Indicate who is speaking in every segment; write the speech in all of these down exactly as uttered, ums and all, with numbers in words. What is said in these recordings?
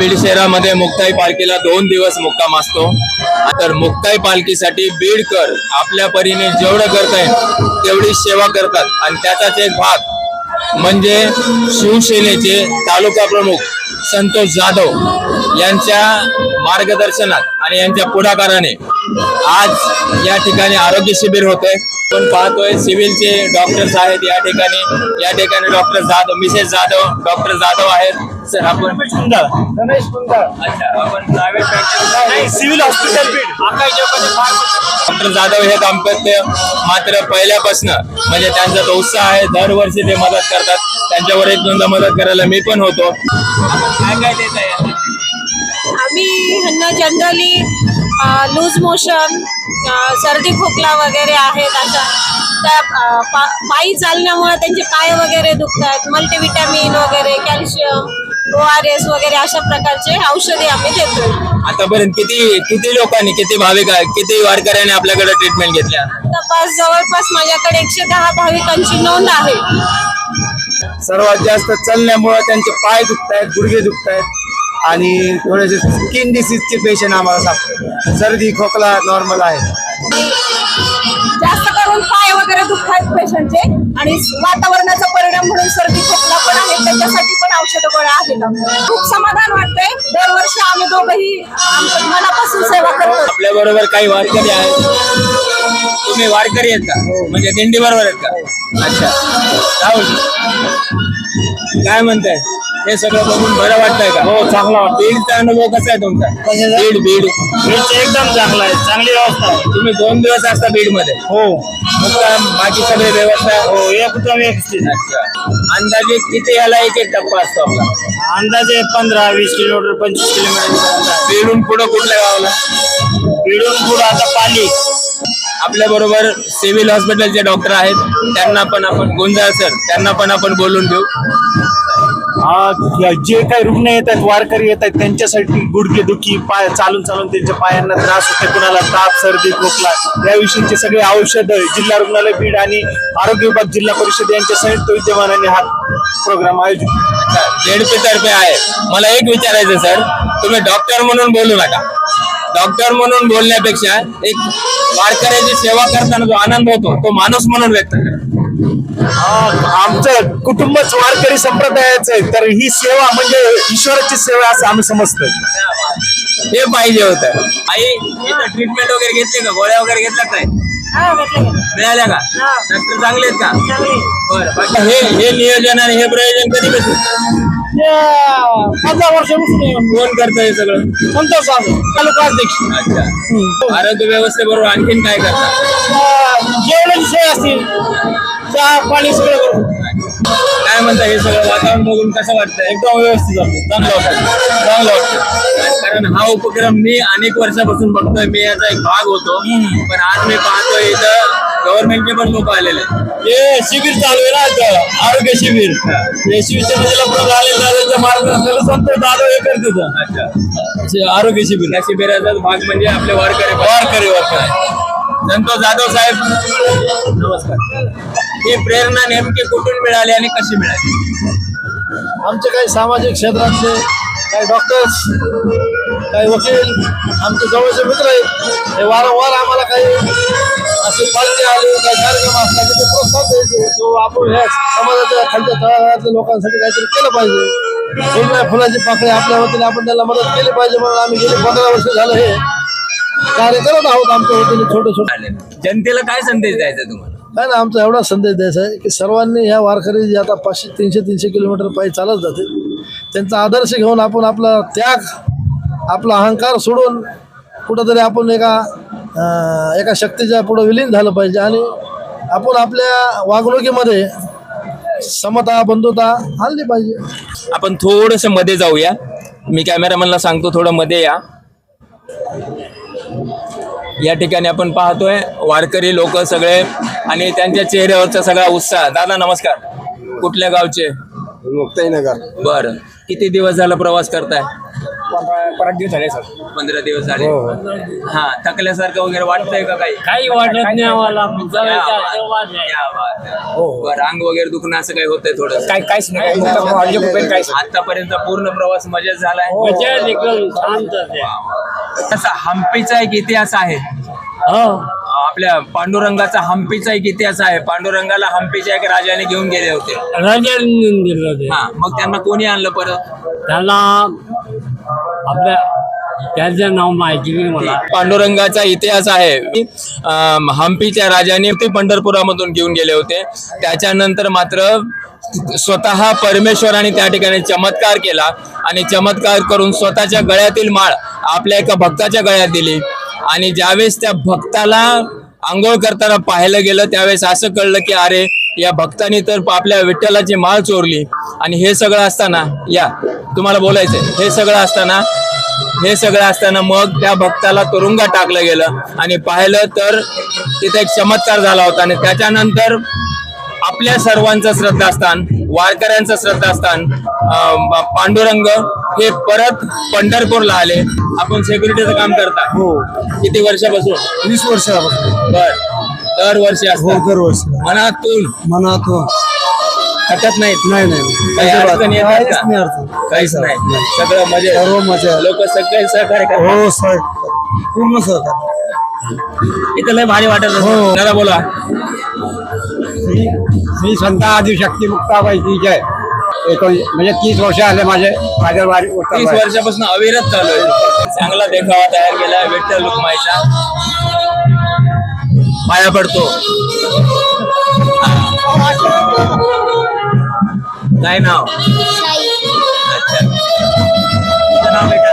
Speaker 1: बीड शहरामध्ये मुक्ताई पालखीला दोन दिवस मुक्काम असतो। तर मुक्ताई पालखीसाठी बीडकर आपल्या परीने जेवढं करता येईल तेवढी सेवा करतात आणि त्याचाच एक भाग म्हणजे शिवसेनेचे तालुका प्रमुख संतोष जाधव यांच्या मार्गदर्शनात आणि यांच्या पुढाकाराने आज या ठिकाणी आरोग्य शिबिर होते। आपण पाहतोय सिव्हिलचे डॉक्टर्स आहेत या ठिकाणी। या ठिकाणी doctor Jadhav Mrs Jadhav doctor Jadhav आहेत। सर आपण
Speaker 2: रमेश कुंदाळ रमेश कुंदाळ
Speaker 1: अच्छा आपण प्रायव्हेट
Speaker 2: नाही सिव्हिल हॉस्पिटल बीड आकाश चौकाचे
Speaker 1: डॉक्टर जाधव हे दाम्पत्य मात्र पहिल्यापासून म्हणजे त्यांचा तो उत्साह आहे। दरवर्षी ते मदत करतात। त्यांच्यावर एक दोनदा मदत करायला मी पण होतो। काय काय देत आहे
Speaker 3: आम्ही ह्यांना जनरली लूज मोशन सर्दी खोकला वगैरे आहेत अशा त्या अ, पा, पायी चालण्यामुळे त्यांचे पाय वगैरे दुखतात, मल्टीविटॅमिन वगैरे कॅल्शियम ओ आर एस वगैरे अशा प्रकारचे औषधे आम्ही देतो।
Speaker 1: आतापर्यंत किती किती लोकांनी किती भाविक किती वारकऱ्यांनी आपल्याकडे ट्रीटमेंट घेतल्या?
Speaker 3: तपास जवळपास माझ्याकडे एकशे दहा भाविकांची नोंद आहे।
Speaker 2: सर्वात जास्त चालण्यामुळे त्यांचे पाय दुखतायत, गुडघे दुखतायत आणि थोडेसे स्किन डिसीजचे पेशंट आम्हाला सापडले। सर्दी खोकला नॉर्मल आहे।
Speaker 3: जास्त करून पाय वगैरे दुखतात पेशंटचे आणि वातावरणाचा परिणाम म्हणून सर्दी खोकला पण आहे, त्याच्यासाठी पण औषध गोळ्या आहेत। खूप समाधान वाटतंय। दरवर्षी आम्ही दोघंही आमच्या मनापासून सेवा करतो।
Speaker 1: आपल्या बरोबर काही वारकरी आहेत। तुम्ही वारकरी आहेत का? म्हणजे दिंडी बरोबर आहेत का? अच्छा राहुल काय म्हणताय? हे सगळं बघून बरं वाटतंय का?
Speaker 2: हो चांगला वाटतं।
Speaker 1: बीडचा अनुभव कसा आहे तुमचा? बीड बीड
Speaker 2: बीडचं एकदम चांगला आहे, चांगली व्यवस्था आहे।
Speaker 1: तुम्ही दोन दिवस असता बीड मध्ये?
Speaker 2: हो
Speaker 1: मुक्काम बाकी सगळे व्यवस्था?
Speaker 2: हो एकदम व्यवस्थित।
Speaker 1: अच्छा अंदाजे किती याला एक एक टप्पा असतो आपला?
Speaker 2: अंदाजे पंधरा वीस किलोमीटर पंचवीस किलोमीटर।
Speaker 1: बीडून पुढं कुठल्या गावाला?
Speaker 2: बीडून पुढे आता पाली।
Speaker 1: आपल्या बरोबर सिव्हिल हॉस्पिटलचे डॉक्टर आहेत, त्यांना पण आपण गुंजाळ सर त्यांना पण आपण बोलून घेऊ।
Speaker 2: जे काही रुग्ण येत आहेत वारकरी येत आहेत त्यांच्यासाठी गुडघेदुखी पाय चालून चालून त्यांच्या पायांना त्रास होते, कुणाला ताप सर्दी खोकला याविषयीचे सगळे औषध जिल्हा रुग्णालय बीड आणि आरोग्य विभाग जिल्हा परिषद यांच्या संयुक्त विद्यमानाने हा प्रोग्राम आयोजित
Speaker 1: जेडपी तर्फे आहे। मला एक विचारायचं सर, तुम्ही डॉक्टर म्हणून बोलू नका। डॉक्टर म्हणून बोलण्यापेक्षा एक वारकऱ्याची सेवा करताना जो आनंद होतो तो माणूस म्हणून व्यक्त करा।
Speaker 2: आमचं कुटुंबच वारकरी संप्रदायाचं आहे, तर ही सेवा म्हणजे ईश्वराची सेवा असं आम्ही समजतो।
Speaker 1: हे पाहिजे होतं। आई इथं ट्रीटमेंट वगैरे घेतली का? गोळ्या वगैरे घेतल्या काय? मिळाल्या का? डॉक्टर चांगले आहेत का? बरं बाकी हे हे नियोजन आणि हे प्रयोजन कधी बसलं?
Speaker 2: पंधरा वर्षापासून
Speaker 1: कोण करतं हे सगळं?
Speaker 2: संतोष तालुका अध्यक्ष।
Speaker 1: अच्छा आरोग्य व्यवस्थेबरोबर आणखीन काय करतात?
Speaker 2: जेवणाची सोय असतील, चहा पाणी सगळं करू।
Speaker 1: काय म्हणता हे सगळं वातावरण बघून कसं वाटतं?
Speaker 2: एकदम व्यवस्थित वाटतं, चांगलं वाटतं
Speaker 1: चांगलं वाटतं। कारण हा उपक्रम मी अनेक वर्षापासून बघतोय, मी याचा एक भाग होतो, पण आज मी पाहतोय इथं गव्हर्नमेंटचे पण लोक आलेले आहेत।
Speaker 2: हे शिबिर चालू आहे ना आरोग्य शिबिर, हे शिवसेनेला प्रधान मार्गदर्शन संतोष जाधव हे करतात।
Speaker 1: अच्छा
Speaker 2: आरोग्य शिबिर
Speaker 1: या शिबिराचा भाग म्हणजे आपले वारकरी
Speaker 2: वारकरी वारकरी
Speaker 1: संतोष जाधव साहेब नमस्कार। ही प्रेरणा नेमकी कुठून मिळाली आणि कशी मिळाली?
Speaker 4: आमचे काही सामाजिक क्षेत्रातले काही डॉक्टर्स काही वकील आमचे जवळचे मित्र आहेत, हे वारंवार आम्हाला काही असे पालखी आले काही कार्यक्रम असला की ते प्रोत्साहन द्यायचे तो आपण ह्या समाजाच्या खालच्या तळागाळातल्या लोकांसाठी काहीतरी केलं पाहिजे। वेगवेगळ्या फुलाची पाकळी आपल्या वतीने आपण त्यांना मदत केली पाहिजे म्हणून आम्ही गेले पंधरा वर्ष झालं हे कार्य करत आहोत आमच्या वतीने छोटे छोटे।
Speaker 1: जनतेला काय संदेश द्यायचा तुम्हाला?
Speaker 4: काय ना आमचा एवढा संदेश द्यायचा आहे की सर्वांनी ह्या वारकरी जे आता पाचशे तीनशे तीनशे किलोमीटर पायी चालत जाते त्यांचा आदर्श घेऊन आपण आपला त्याग आपला अहंकार सोडून कुठंतरी आपण एका एका शक्तीच्या पुढं विलीन झालं पाहिजे आणि आपण आपल्या वागणुकीमध्ये समता बंधुता आणली पाहिजे।
Speaker 1: आपण थोडंसं मध्ये जाऊया, मी कॅमेरामॅनला सांगतो थोडं मध्ये या। या ठिकाणी आपण पाहतोय वारकरी लोक सगळे आणि त्यांच्या चेहऱ्यावरचा सगळा उत्साह। दादा नमस्कार, कुठल्या गावचे?
Speaker 5: मुक्ताईनगर।
Speaker 1: बरं किती दिवस झाला प्रवास करताय?
Speaker 5: पंधरा दिवस झाले सर.
Speaker 1: पंधरा दिवस झाले. हा थकल्यासारखं वगैरे वाटतंय का काही?
Speaker 5: काही वाटत नाही आम्हाला.
Speaker 1: क्या बात आहे. बरं, अंग वगैरे दुखणं असं काही होतंय थोडं?
Speaker 5: काही काहीच नाही. काहीच
Speaker 1: आतापर्यंत पूर्ण प्रवास मजेत झालाय.
Speaker 5: शांत.
Speaker 1: असा हम्पीचा एक इतिहास आहे. आपल्या पांडुरंगाचा हम्पीचा एक इतिहास आहे. पांडुरंगाला हम्पीच्या एक राजाने घेऊन गेले होते.
Speaker 5: राजांनी दिलं होते.
Speaker 1: हा, मग त्यांना कोणी आणलं परत?
Speaker 5: त्याला आपल्या त्याचं नाव माहिती नाही मला.
Speaker 1: पांडुरंगाचा इतिहास आहे. अं, हम्पीच्या राजाने ते पंढरपुरामधून घेऊन गेले होते. त्याच्यानंतर मात्र स्वतः परमेश्वराने त्या ठिकाणी चमत्कार केला आणि चमत्कार करून स्वतःच्या गळ्यातील माळ आपल्या एका भक्ताच्या गळ्यात दिली. आणि ज्यावेळेस त्या भक्ताला आंघोळ करताना पाहायला गेलं त्यावेळेस असं कळलं की अरे या भक्तानी तर आपल्या विठ्ठलाची माळ चोरली. आणि हे सगळं असताना या तुम्हाला बोलायचंय हे सगळं असताना हे सगळं असताना मग त्या भक्ताला तुरुंगात टाकलं गेलं. आणि पाहिलं तर तिथे एक चमत्कार झाला होता. आणि त्याच्यानंतर आपल्या सर्वांचं श्रद्धास्थान, वारकऱ्यांचं श्रद्धास्थान अं, पांडुरंग हे परत पंढरपूरला आले. आपण सेक्युरिटीचं काम करता
Speaker 4: हो
Speaker 1: किती वर्षापासून?
Speaker 4: वीस वर्षापासून.
Speaker 1: बर, दरवर्षी
Speaker 4: हो
Speaker 1: असतात
Speaker 4: दरवर्षी
Speaker 1: मनातून
Speaker 4: मनातून.
Speaker 1: हटत नाहीत.
Speaker 4: नाही नाही
Speaker 1: काही अडचण येतात
Speaker 4: काहीच
Speaker 1: का?
Speaker 4: नाही अडचण.
Speaker 1: काहीच नाही, सगळं मजे.
Speaker 4: सर्व मजा.
Speaker 1: लोक सगळे सहकार्य करतात.
Speaker 4: हो सर पूर्ण सहकार.
Speaker 1: इथं लय भारी वाटत
Speaker 4: हो.
Speaker 1: असेल. जरा बोला.
Speaker 5: श्री श्री संत आदिशक्ती मुक्ताबाईची जय. एकोण म्हणजे तीस वर्ष आले माझे माझ्या वारी
Speaker 1: तीस वर्षापासून अविरत चालू आहे. चांगला देखावा तयार केला विठ्ठल रुक्माईचा. पाया पडतो. काय नाव? अच्छा, तुझं नाव बेटा?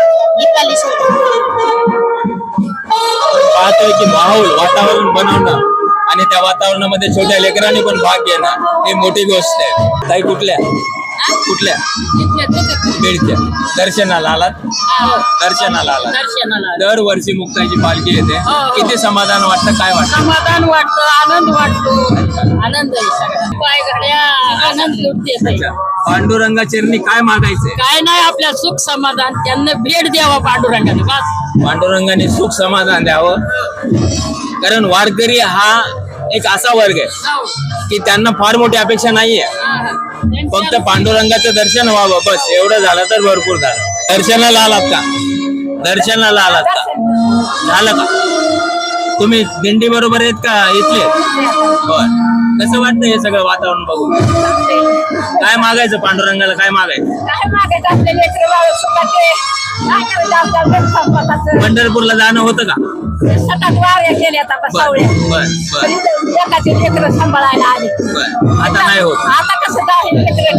Speaker 1: पाहतोय की माहोल वातावरण बनवणं आणि त्या वातावरणामध्ये छोट्या लेकरांनी पण भाग घेणं ही मोठी गोष्ट आहे. ताई कुठल्या कुठल्या बीडच्या. दर्शनाला आलात? दर्शनाला आलात.
Speaker 3: दर्शनाला
Speaker 1: दरवर्षी मुक्ताची पालखी येते. किती समाधान वाटतं? काय वाटतं?
Speaker 3: समाधान वाटतं, आनंद वाटतो. आनंद आहे सगळा. पाय घड्या आनंद लुटते.
Speaker 1: अच्छा. पांडुरंगा चरणी काय मागायचंय?
Speaker 3: काय नाही, आपल्या सुख समाधान त्यांना भेट द्यावा पांडुरंगाने बस.
Speaker 1: पांडुरंगाने सुख समाधान द्यावं. कारण वारकरी हा एक असा वर्ग आहे की त्यांना फार मोठी अपेक्षा नाहीये. फक्त पांडुरंगाचं दर्शन व्हावं बस, एवढं झालं तर भरपूर झालं. दर्शनाला आलात का? दर्शनाला आलात का? झालं का? तुम्ही दिंडी बरोबर आहेत का इथले? बर, कसं वाटतं हे सगळं वातावरण बघून? काय मागायचं पांडुरंगाला? काय मागायचं?
Speaker 3: काय मागायचं आपले लेकरं बाळ सुखाचे. काय करायचं आपल्या संपताचं.
Speaker 1: पंढरपूरला जाणं होतं का?
Speaker 3: सतत वाऱ्या केल्या आता
Speaker 1: बर
Speaker 3: सावळ्या.
Speaker 1: बर बर
Speaker 3: एकाचे लेकरं सांभाळायला आले.
Speaker 1: बर. आता नाही होत.
Speaker 3: आता कसं काय लेकरं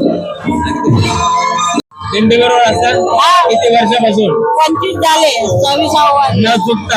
Speaker 3: टाकून.
Speaker 1: दिंडी बरोबर असतात किती वर्षापासून?
Speaker 3: पंचवीस झाले, सव्वीसावा
Speaker 1: न चुकता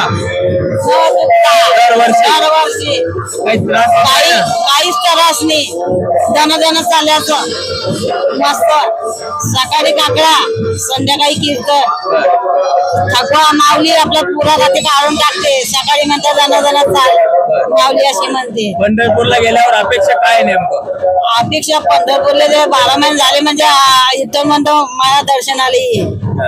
Speaker 3: दरवर्षी
Speaker 1: दरवर्षी काही त्रास होत
Speaker 3: काही
Speaker 1: नाही ना?
Speaker 3: काहीच त्रास नाही. दन दन चालल्याचं मस्त. सकाळी काकडा, संध्याकाळी कीर्तन. थकवा माऊली आपल्या पुरा रात्री काढून टाकते. सकाळी म्हणतात दन दन चाल माऊली अशी म्हणते.
Speaker 1: पंढरपूरला गेल्यावर अपेक्षा काय नेमकं?
Speaker 3: अपेक्षा पंढरपूरला जे बारा महिने झाले म्हणजे आ, इथं म्हणतो मला दर्शनाला ये.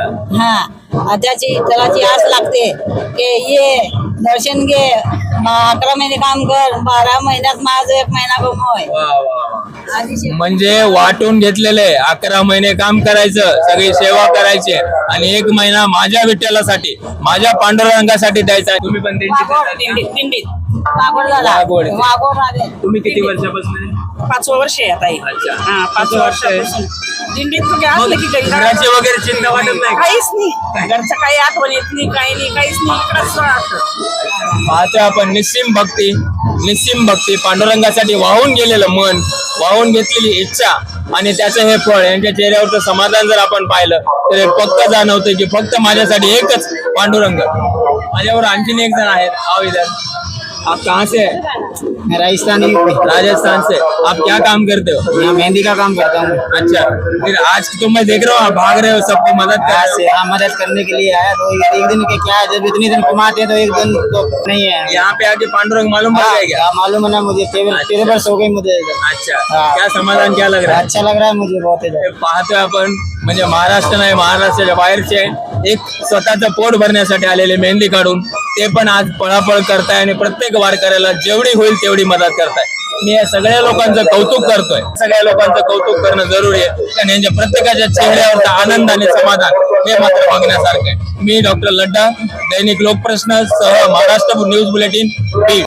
Speaker 3: हा, त्याची त्याची आस लागते की ये दर्शन घे. म, अकरा महिने काम कर, बारा महिन्यात माझं एक महिना कमवय.
Speaker 1: वा, वा, वा.
Speaker 3: आधी
Speaker 1: म्हणजे वाटून घेतलेले अकरा महिने काम करायचं, सगळी सेवा करायची आणि एक महिना माझ्या विठ्ठलासाठी, माझ्या पांडुरंगासाठी द्यायचा. तुम्ही पण दिंडीत येतात का?
Speaker 3: वाघोड झाला.
Speaker 1: वाघोड.
Speaker 3: वाघोड आले.
Speaker 1: तुम्ही किती वर्षापासून?
Speaker 6: पाचवं वर्ष आहे आता हे.
Speaker 1: अच्छा.
Speaker 6: हा, पाच
Speaker 1: वर्ष आहे.
Speaker 6: वर्षापासून दिंडीत तुम्ही
Speaker 1: मग
Speaker 6: असलं की काही
Speaker 1: घराची वगैरे चिंता वाटत नाही का?
Speaker 6: काहीच नाही. घरचं काही आठवण येत नाही, काही नाही, काहीच नाही. इकडंच राहतं.
Speaker 1: पाहतोय आपण निस्सीम भक्ती, निस्सीम भक्ती, पांडुरंगासाठी वाहून गेलेलं मन, वाहून घेतलेली इच्छा आणि त्याचं हे फळ, यांच्या चेहऱ्यावरचं समाधान जर आपण पाहिलं तर हे पक्क जाणवतं की फक्त माझ्यासाठी एकच पांडुरंग. माझ्यावर आणखीन एक जण आहेत. आओ इधर. आप कहाँ से हैं?
Speaker 5: राजस्थानी
Speaker 1: राजस्थान से. आप क्या काम करते हो?
Speaker 5: मैं मेहंदी का काम करता हूँ.
Speaker 1: अच्छा, फिर आज तो मैं देख रहा हूँ आप भाग रहे हो, सबको मदद कर
Speaker 5: आज
Speaker 1: रहे
Speaker 5: से हाँ मदद करने के लिए आया. तो एक दिन के क्या है, जब इतने दिन कमाते हैं तो एक दिन तो नहीं है.
Speaker 1: हो. यहाँ पे आके पांडुरंग मालूम पड़ गया क्या?
Speaker 5: हाँ, मालूम है ना मुझे. तेरह तेरह वर्ष हो गई मुझे.
Speaker 1: अच्छा,
Speaker 5: हाँ.
Speaker 1: क्या समाधान क्या लग रहा है?
Speaker 5: अच्छा लग रहा है मुझे बहुत ही.
Speaker 1: पाहतोय आपण म्हणजे महाराष्ट्र नाही, महाराष्ट्राच्या बाहेरचे एक स्वतःचं पोट भरण्यासाठी आलेले मेहंदी काढून ते पण आज पळापळ करताय आणि प्रत्येक वारकऱ्याला जेवढी होईल तेवढी मदत करताय. मी या सगळ्या लोकांचं कौतुक करतोय. सगळ्या लोकांचं कौतुक करणं जरुरी आहे, कारण यांच्या प्रत्येकाच्या चेहऱ्यावरचा आनंद आणि समाधान हे मात्र बघण्यासारखं आहे. मी डॉक्टर लड्डा, दैनिक लोकप्रश्न सह महाराष्ट्र न्यूज बुलेटिन बीड.